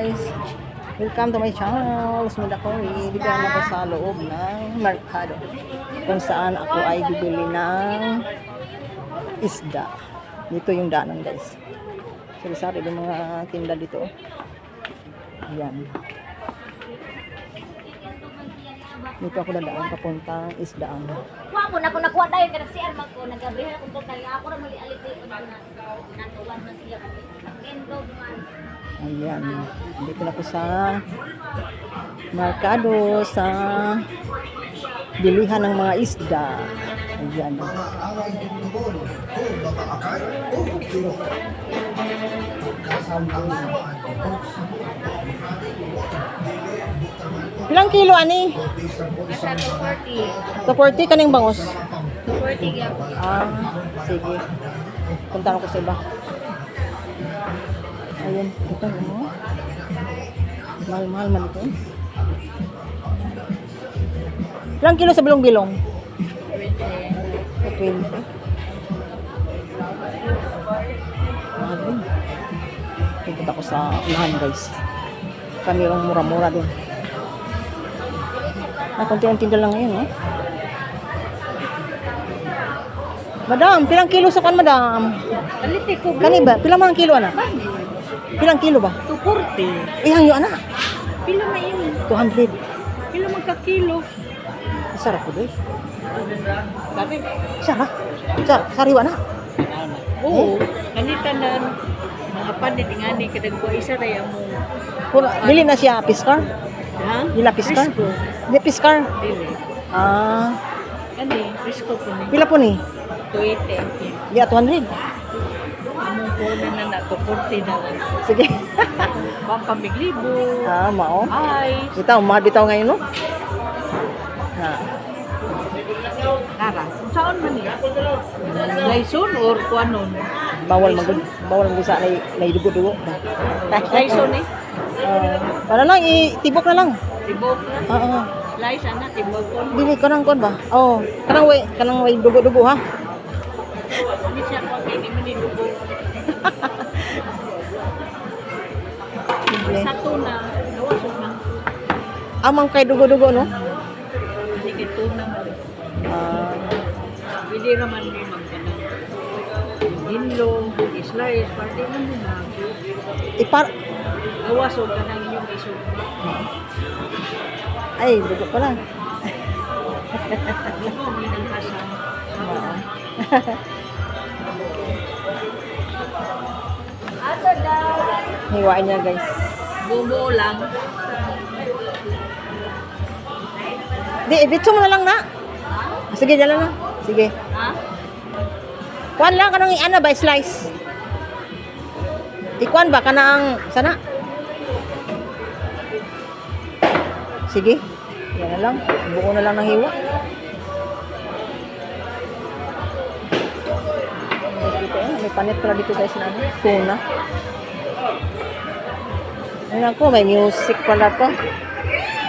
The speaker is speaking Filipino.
guys, welcome to my channel. Smida ko, dito na ako sa loob ng merkado kung saan ako ay bibili ng isda. Dito yung daanan guys. Sari-sari yung mga tinda dito. Ayan. Dito ako dadaan papuntang isdaan. Kuha ko na kung nakuha tayo kada si Armag ko nagabrihan ako kay ako ra mali alit ko na natuwan na siya endog man. Ayan. Dito na ako sa merkado sa bilihan ng mga isda. Ayan. Ilang kilo ani? Nasa 240. 240 kaning bangos. 240 gyud. Sige. Punta ko sa iba. Ayan, ito mo. Mahal-mahal man ito. Ilang kilo sa bilong-bilong? 20. Mahal din. Punta ko sa unahan guys. Kami yung mura-mura din. Konti-konti lang ngayon, no? Madam, pilang kilo sa kan, madam? Aliti ko. Kani ba? Pilang mga kilo, ana? Pilang kilo ba? 240. Ihang yun, ana? Pila na yun? 200. Pila magka kilo? Sarap ko, doy. Dami. Sarap. Sariwa na. Oo. Kanitanan mga panit ngani kadagwa isa ra mo. Bili na siya piskar? Ha? Dila piskar? Risko. Hindi piskar. Dili. Ano Risko po ni. Pila po ni? 280. Di 200. Among po na 240 na lang. Sige. Pampamiglibo. Mao. Ay. Bitaw ngayon, no? Kara. Saan man niya? Laison or kuanon? Bawal sa na idugo-dugo. Laison eh. Para lang itibok na lang. Tibok na. Oo. Laison na tibok ko. Dili kanang kon ba? Oh, kanang way dugo-dugo ha. Hindi siya ko kay di man idugo. Sa tuna, nawasok na. Amang kay dugo-dugo no? Hindi kay tuna man. Hindi raman may magkanang dinlo, slice, party man din na. Nawasok ka ng inyong isog. Ay, dugo pala. Hindi mo, may nagkasama. Ato daw. Hiwain niya guys. Bubo lang. Dito mo na lang na. Sige, dala na. Sige. Ha? Kuan lang kanang iana ba slice. Ikuan ba kanang sana? Sige. Yan na lang. Buo na lang ng hiwa. Dito may panit pala dito guys na tuna. Ayun ako, may music pala to.